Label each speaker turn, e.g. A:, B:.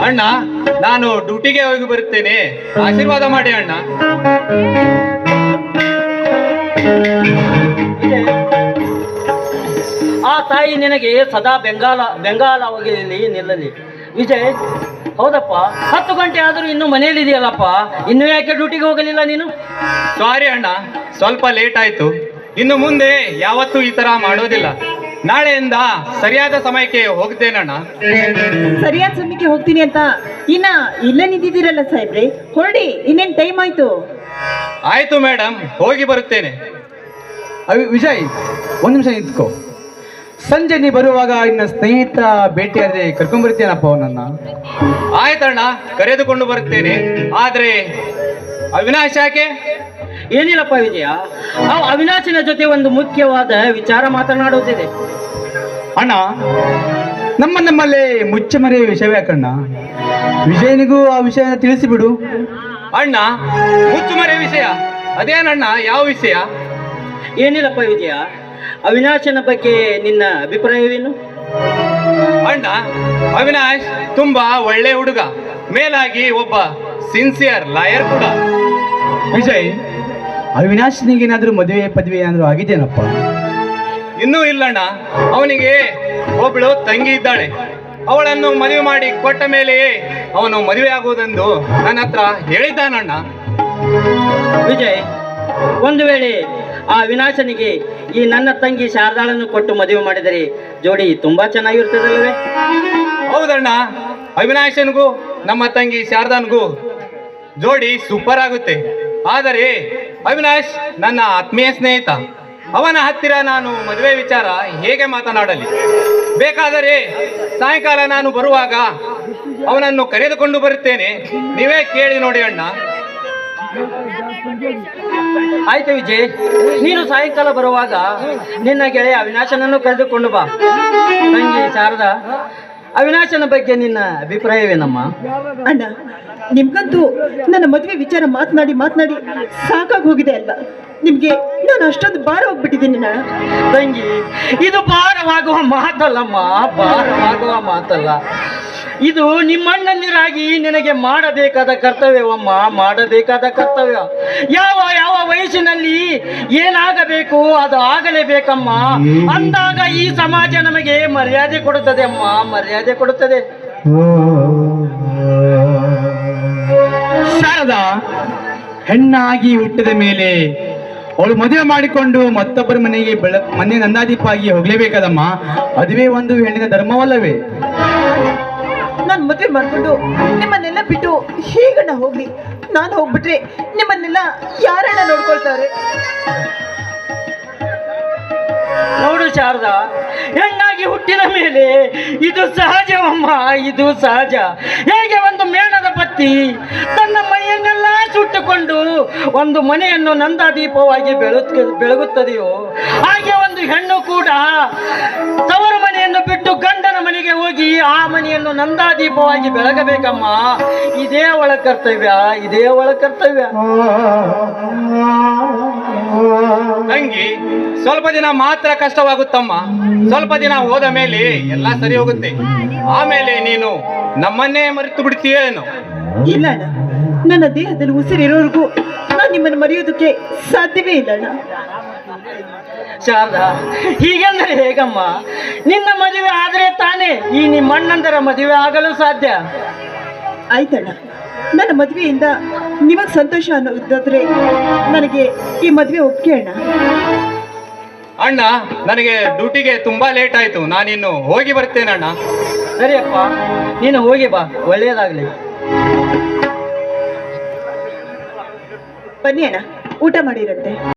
A: ಅಣ್ಣ, ನಾನು ಡ್ಯೂಟಿಗೆ ಹೋಗಿ ಬರುತ್ತೇನೆ, ಆಶೀರ್ವಾದ ಮಾಡಿ ಅಣ್ಣ.
B: ಆ ತಾಯಿ ನಿನಗೆ ಸದಾ ಬೆಂಗಾಲವಾಗಿ ನಿಲ್ಲಲಿ ವಿಜಯ್. ಹೌದಪ್ಪ, 10 ಗಂಟೆ ಆದರೂ ಇನ್ನು ಮನೆಯಲ್ಲಿದೆಯಲ್ಲಪ್ಪ, ಇನ್ನು ಯಾಕೆ ಡ್ಯೂಟಿಗೆ ಹೋಗಲಿಲ್ಲ ನೀನು?
A: ಸಾರಿ ಅಣ್ಣ, ಸ್ವಲ್ಪ ಲೇಟ್ ಆಯ್ತು. ಇನ್ನು ಮುಂದೆ ಯಾವತ್ತೂ ಈ ತರ ಮಾಡೋದಿಲ್ಲ. ನಾಳೆಯಿಂದ ಸರಿಯಾದ ಸಮಯಕ್ಕೆ ಹೋಗ್ತೇನಣ್ಣ.
C: ಸರಿಯಾದ ಸಮಯಕ್ಕೆ ಹೋಗ್ತೀನಿ ಅಂತ ಇಲ್ಲೇ ನಿಂತಿದ್ದೀರಲ್ಲ ಸಾಹೇಬ್ರೆ, ಹೊರಡಿ, ಇನ್ನೇನು ಟೈಮ್ ಆಯ್ತು.
A: ಆಯ್ತು ಮೇಡಮ್, ಹೋಗಿ ಬರುತ್ತೇನೆ.
D: ವಿಜಯ್, ಒಂದು ನಿಮಿಷ ನಿಂತ್ಕೋ. ಸಂಜೆ ನೀ ಬರುವಾಗ ಇನ್ನ ಸ್ನೇಹಿತ ಭೇಟಿಯಾದ್ರೆ ಕರ್ಕೊಂಡ್ಬರ್ತೀನಪ್ಪ ಅವನನ್ನ.
A: ಆಯ್ತಣ್ಣ, ಕರೆದುಕೊಂಡು ಬರುತ್ತೇನೆ. ಆದ್ರೆ ಅವಿನಾಶ್ ಯಾಕೆ?
B: ಏನಿಲ್ಲಪ್ಪ ವಿಜಯ, ಅವಿನಾಶಿನ ಜೊತೆ ಒಂದು ಮುಖ್ಯವಾದ ವಿಚಾರ ಮಾತನಾಡುತ್ತಿದೆ.
D: ಅಣ್ಣ, ನಮ್ಮಲ್ಲೇ ಮುಚ್ಚಮರೆಯ ವಿಷಯವೇ ಯಾಕಣ್ಣ? ವಿಜಯನಿಗೂ ಆ ವಿಷಯನ ತಿಳಿಸಿಬಿಡು.
A: ಅಣ್ಣ, ಮುಚ್ಚುಮರೆ ವಿಷಯ ಅದೇನಣ್ಣ? ಯಾವ ವಿಷಯ?
B: ಏನಿಲ್ಲಪ್ಪ ವಿಜಯ, ಅವಿನಾಶನ ಬಗ್ಗೆ ನಿನ್ನ ಅಭಿಪ್ರಾಯವೇನು?
A: ಅಣ್ಣ, ಅವಿನಾಶ್ ತುಂಬಾ ಒಳ್ಳೆ ಹುಡುಗ, ಮೇಲಾಗಿ ಒಬ್ಬ ಸಿನ್ಸಿಯರ್ ಲಾಯರ್ ಕೂಡ.
D: ವಿಜಯ್, ಅವಿನಾಶ್ನಿಗೇನಾದ್ರೂ ಮದುವೆ ಪದವಿ ಏನಾದ್ರೂ ಆಗಿದೆಯೇನಪ್ಪ?
A: ಇನ್ನೂ ಇಲ್ಲಣ್ಣ. ಅವನಿಗೆ ಒಬ್ಬಳು ತಂಗಿ ಇದ್ದಾಳೆ. ಅವಳನ್ನು ಮದುವೆ ಮಾಡಿ ಕೊಟ್ಟ ಮೇಲೆಯೇ ಅವನು ಮದುವೆ ಆಗುವುದೆಂದು ನನ್ನ ಹತ್ರ ಹೇಳಿದ್ದಾನಣ್ಣ.
B: ವಿಜಯ್, ಒಂದು ವೇಳೆ ಆ ವಿನಾಶನಿಗೆ ಈ ನನ್ನ ತಂಗಿ ಶಾರದಾಳನ್ನು ಕೊಟ್ಟು ಮದುವೆ ಮಾಡಿದರೆ ಜೋಡಿ ತುಂಬಾ ಚೆನ್ನಾಗಿರ್ತದಲ್ವೇ?
A: ಹೌದಣ್ಣ, ಅವಿನಾಶನಿಗೂ ನಮ್ಮ ತಂಗಿ ಶಾರದಾನ್ಗೂ ಜೋಡಿ ಸೂಪರ್ ಆಗುತ್ತೆ. ಆದರೆ ಅವಿನಾಶ್ ನನ್ನ ಆತ್ಮೀಯ ಸ್ನೇಹಿತ. ಅವನ ಹತ್ತಿರ ನಾನು ಮದುವೆ ವಿಚಾರ ಹೇಗೆ ಮಾತನಾಡಲಿ? ಬೇಕಾದರೆ ಸಾಯಂಕಾಲ ನಾನು ಬರುವಾಗ ಅವನನ್ನು ಕರೆದುಕೊಂಡು ಬರುತ್ತೇನೆ. ನೀವೇ ಕೇಳಿ ನೋಡಿ ಅಣ್ಣ.
B: ಆಯ್ತು ವಿಜಯ್, ನೀನು ಸಾಯಂಕಾಲ ಬರುವಾಗ ನಿನ್ನ ಗೆಳೆಯ ಅವಿನಾಶನನ್ನು ಕರೆದುಕೊಂಡು ಬಾ. ತಂಗಿ ಶಾರದಾ, ಅವಿನಾಶನ ಬಗ್ಗೆ ನಿನ್ನ ಅಭಿಪ್ರಾಯವೇನಮ್ಮ?
C: ಅಣ್ಣ, ನಿಮ್ಗಂತೂ ನನ್ನ ಮದುವೆ ವಿಚಾರ ಮಾತನಾಡಿ ಸಾಕಾಗಿ ಹೋಗಿದೆ ಅಲ್ವಾ? ನಿಮ್ಗೆ ನಾನು ಅಷ್ಟೊಂದು ಭಾರ ಹೋಗ್ಬಿಟ್ಟಿದ್ದೀನಿ ಅಣ್ಣ.
B: ತಂಗಿ, ಇದು ಭಾರವಾಗುವ ಮಾತಲ್ಲಮ್ಮ, ಭಾರವಾಗುವ ಮಾತಲ್ಲ. ಇದು ನಿಮ್ಮಣ್ಣಂದಿರಾಗಿ ನಿನಗೆ ಮಾಡಬೇಕಾದ ಕರ್ತವ್ಯವಮ್ಮ, ಮಾಡಬೇಕಾದ ಕರ್ತವ್ಯ. ಯಾವ ಯಾವ ವಯಸ್ಸಿನಲ್ಲಿ ಏನಾಗಬೇಕು ಅದು ಆಗಲೇಬೇಕಮ್ಮ. ಅಂದಾಗ ಈ ಸಮಾಜ ನಮಗೆ ಮರ್ಯಾದೆ ಕೊಡುತ್ತದೆ ಅಮ್ಮ, ಮರ್ಯಾದೆ ಕೊಡುತ್ತದೆ.
D: ಶಾರದಾ ಹೆಣ್ಣಾಗಿ ಹುಟ್ಟಿದ ಮೇಲೆ ಅವಳು ಮದುವೆ ಮಾಡಿಕೊಂಡು ಮತ್ತೊಬ್ಬರ ಮನೆ ನಂದಾದೀಪ ಆಗಿ ಹೋಗ್ಲೇಬೇಕಾದಮ್ಮ. ಅದುವೇ ಒಂದು ಹೆಣ್ಣಿನ ಧರ್ಮವಲ್ಲವೇ?
C: ನಾನು ಮದುವೆ ಮಾಡ್ಕೊಂಡು ನಿಮ್ಮನ್ನೆಲ್ಲ ಬಿಟ್ಟು ಹೇಗಣ್ಣ ಹೋಗ್ಲಿ? ನಾನು ಹೋಗ್ಬಿಟ್ರೆ ನಿಮ್ಮನ್ನೆಲ್ಲ ಯಾರಣ್ಣ ನೋಡ್ಕೊಳ್ತಾರೆ?
B: ನೋಡು ಶಾರದಾ, ಹೆಣ್ಣಾಗಿ ಹುಟ್ಟಿದ ಮೇಲೆ ಇದು ಸಹಜವಮ್ಮ, ಇದು ಸಹಜ. ಹೇಗೆ ಒಂದು ಮೇಣದ ಬತ್ತಿ ತನ್ನ ಮೈಯನ್ನೆಲ್ಲ ಸುಟ್ಟುಕೊಂಡು ಒಂದು ಮನೆಯನ್ನು ನಂದಾದೀಪವಾಗಿ ಬೆಳಗುತ್ತದೆಯೋ ಹಾಗೆ ಒಂದು ಹೆಣ್ಣು ಕೂಡ ತವರ ಮನೆಯನ್ನು ಬಿಟ್ಟು ಗಂಡನ ಮನೆಗೆ ಹೋಗಿ ಆ ಮನೆಯನ್ನು ನಂದಾದೀಪವಾಗಿ ಬೆಳಗಬೇಕಮ್ಮ. ಇದೇ ಅವಳ ಕರ್ತವ್ಯ, ಇದೇ ಅವಳ ಕರ್ತವ್ಯ.
A: ತಂಗಿ, ಸ್ವಲ್ಪ ದಿನ ಮಾತ್ರ ಕಷ್ಟವಾಗುತ್ತಮ್ಮ. ಸ್ವಲ್ಪ ದಿನ ಹೋದ ಮೇಲೆ ಎಲ್ಲ ಸರಿ ಹೋಗುತ್ತೆ. ಆಮೇಲೆ ನೀನು ನಮ್ಮನ್ನೇ ಮರೆತು ಬಿಡ್ತೀಯೇನು?
C: ಇಲ್ಲ ಅಣ್ಣ, ನನ್ನ ದೇಹದಲ್ಲಿ ಉಸಿರಿರೋರ್ಗೂ ನಾನು ನಿಮ್ಮನ್ನು ಮರೆಯೋದಕ್ಕೆ ಸಾಧ್ಯವೇ ಇಲ್ಲ ಅಣ್ಣ.
B: ಶಾರದಾ, ಹೀಗೆಂದರೆ ಹೇಗಮ್ಮ? ನಿನ್ನ ಮದುವೆ ಆದರೆ ತಾನೇ ಈ ನಿಮ್ಮಣ್ಣಂದರ ಮದುವೆ ಆಗಲು ಸಾಧ್ಯ.
C: ಆಯ್ತಣ್ಣ, ನನ್ನ ಮದುವೆಯಿಂದ ನಿಮಗೆ ಸಂತೋಷ ಅನ್ನೋದಾದ್ರೆ ನನಗೆ ಈ ಮದುವೆ ಒಪ್ಪಿಗೆ ಅಣ್ಣ.
A: ಅಣ್ಣ, ನನಗೆ ಡ್ಯೂಟಿಗೆ ತುಂಬಾ ಲೇಟ್ ಆಯ್ತು. ನಾನಿನ್ನು ಹೋಗಿ ಬರ್ತೇನೆ ಅಣ್ಣ.
B: ಸರಿಯಪ್ಪ, ನೀನು ಹೋಗಿ ಬಾ, ಒಳ್ಳೆಯದಾಗಲಿ.
C: ಬನ್ನಿ ಅಣ್ಣ, ಊಟ ಮಾಡಿರಂತೆ.